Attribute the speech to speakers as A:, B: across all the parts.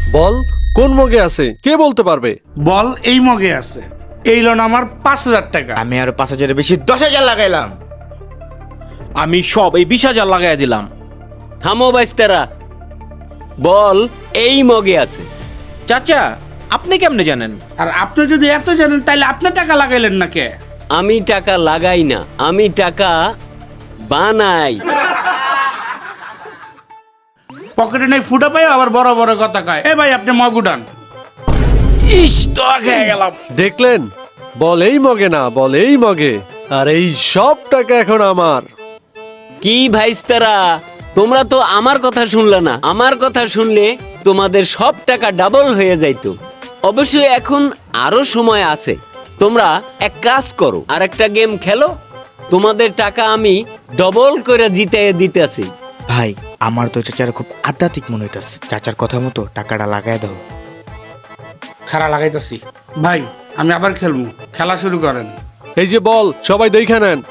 A: বল কোন মগে আছে, কে বলতে পারবে?
B: বল এই মগে আছে। এই লোন আমার 5,000 টাকা।
C: আমি আরো 5,000-এর বেশি 10,000 লাগাইলাম।
D: আমি সব এই 20,000 লাগাই দিলাম।
E: থামো বাইস্তারা, বল এই মগে আছে।
D: চাচা আপনি কেমনে জানেন?
B: আর আপনি যদি এত জানেন তাহলে আপনার টাকা লাগাইলেন না কে?
E: আমি টাকা লাগাই না, আমি টাকা বানাই।
B: পকেটে নেই ফুটা পাই আবার বড় বড় কথা কয়। এ ভাই আপনি মগ উঠান।
D: ইস তো খেয়ে গেলাম।
A: দেখলেন, বল এই মগে না, বল এই মগে। আর এই সব টাকা এখন আমার।
E: কি ভাইস্তারা, তোমরা তো আমার কথা শুনলে না। আমার কথা শুনলে তোমাদের সব টাকা ডাবল হয়ে যাইতো। অবশ্যই এখন আরো সময় আছে, তোমরা এক কাজ করো, আর একটা গেম খেলো, তোমাদের টাকা আমি ডবল করে জিতে দিতেছি।
C: ভাই আমার তো চাচার খুব আধ্যাত্মিক মনে হইতাছে, চাচার কথা মতো টাকাটা লাগাই দাও।
B: খাড়া লাগাইতেছি। ভাই আমি আবার খেলবো, খেলা শুরু করেন।
A: এই যে বল, সবাই দেখে নেন।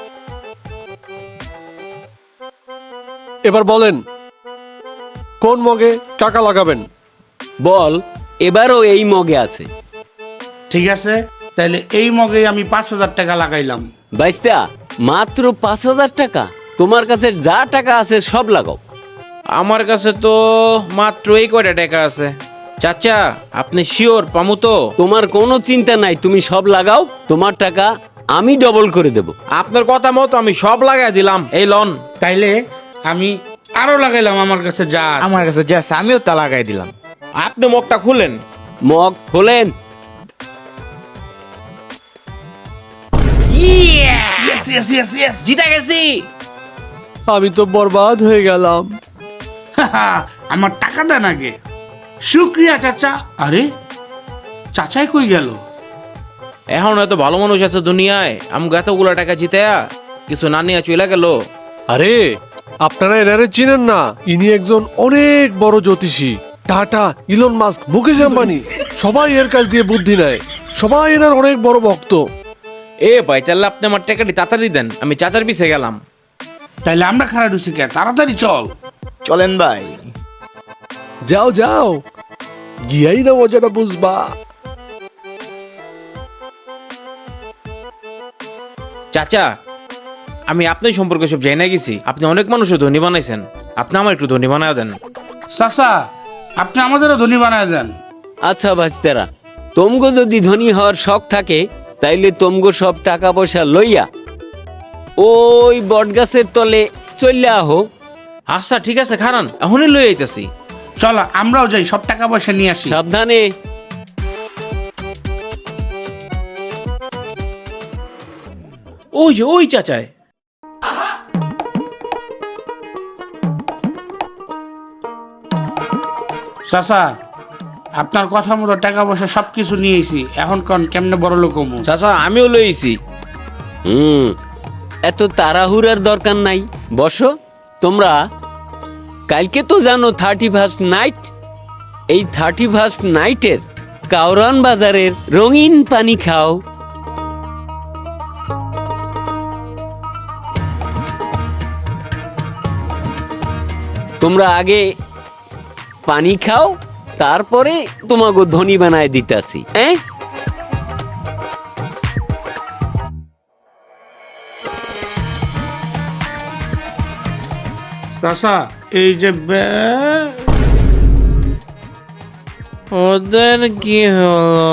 A: এবার বলেন কোন মগে টাকা লাগাবেন?
E: বল এবারও এই মগে আছে।
B: ঠিক আছে, তাহলে এই মগে আমি 5,000 টাকা লাগাইলাম।
E: বাইস্তা, মাত্র 5,000 টাকা? তোমার কাছে যা টাকা আছে সব লাগাও।
D: আমার কাছে তো মাত্র এই কয়টা টাকা আছে। চাচা আপনি শিওর পামু তো?
E: তোমার কোনো চিন্তা নাই, তুমি সব লাগাও, তোমার টাকা আমি ডবল করে দেব।
D: আপনার কথা মতো আমি সব লাগাই দিলাম। এই লন।
B: তাইলে আমি আরো লাগাইলাম আমার কাছে যা আছে।
C: আমার কাছে যা আছে আমিও তা লাগাই দিলাম।
D: আপনি মুখটা খুলেন।
E: মগ খোলেন।
B: Yes, yes, yes, yes.
D: জিতে গেছি।
A: আমি তো বরবাদ হয়ে গেলাম।
B: আমার টাকা দেন আগে। শুক্রিয়া চাচা। আরে চাচাই কই গেল?
D: এখন এত ভালো মানুষ আছে দুনিয়ায়, আমাকে এতগুলো টাকা জিতেয়া কিছু না নিয়ে চলে গেল।
A: আরে আপনারা এনারে চিনেন না? ইনি একজন অনেক বড় জ্যোতিষী। টাটা, ইলন মাস্ক, মুকেশ আম্বানি সবাই এর কাছ দিয়ে বুদ্ধি নেয়। সবাই এনার অনেক বড় ভক্ত।
D: এ ভাই তাহলে আপনি আমার টাকাটি তাড়াতাড়ি দেন, আমি চাচার পিছে গেলাম।
B: তাইলে আমরা খারাপ ঢুসি কে? তাড়াতাড়ি চল।
C: চলেন ভাই।
A: যাও যাও, গিয়াই না মজাটা বুঝবা।
D: চাচা আমি আপনার সম্পর্কে সব জানা গেছি। আপনি অনেক মানুষও ধনী বানাইছেন, আপনি আমার একটু ধনী বানায় দেন।
B: চাচা আপনি আমাদেরও ধনী বানায় দেন।
E: আচ্ছা ভাইস্তারা, তোমগো যদি ধনী হওয়ার শখ থাকে, তাইলে তোমগো সব টাকা পয়সা লইয়া ওই বটগাছের তলে চলে আহো।
D: আচ্ছা ঠিক আছে, খারান এখনই লই আইতাছি।
B: চল আমরাও যাই, সব টাকা পয়সা নিয়ে আসি।
E: সাবধানে।
D: ওই যে ওই চাচায়।
B: চাচা আপনার কথা মতো টাকা পয়সা সবকিছু নিয়েছি। এখন কোন কেমনে বড় লোক হমু?
D: চাচা আমিও লইছি।
E: এত তাড়াহুড়ার দরকার নাই, বসো। তোমরা কালকে তো জানো 31st নাইট। এই 31st নাইটের কাউরান বাজারের রঙিন পানি খাও। তোমরা আগে পানি খাও, তারপরে তোমাকে ধনী বানায় দিতাছি।
B: চাচা এই যে
D: ওদের কি হলো?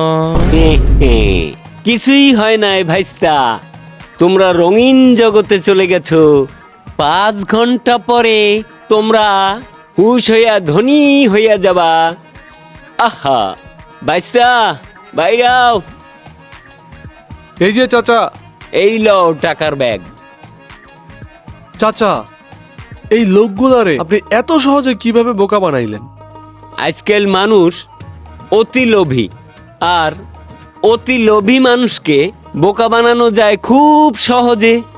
E: কিছুই হয় নাই ভাইস্তা, তোমরা রঙিন জগতে চলে গেছো। 5 ঘন্টা পরে তোমরা হুশ হইয়া ধনী হইয়া যাবা। আহা ভাইস্তা, বাইরাও।
A: এই যে চাচা।
E: এই লও টাকার ব্যাগ।
A: চাচা, এই লোকগুলারে আপনি এত সহজে কিভাবে বোকা বানাইলেন?
E: আজকাল মানুষ অতি লোভী, আর অতি লোভী মানুষকে বোকা বানানো যায় খুব সহজে।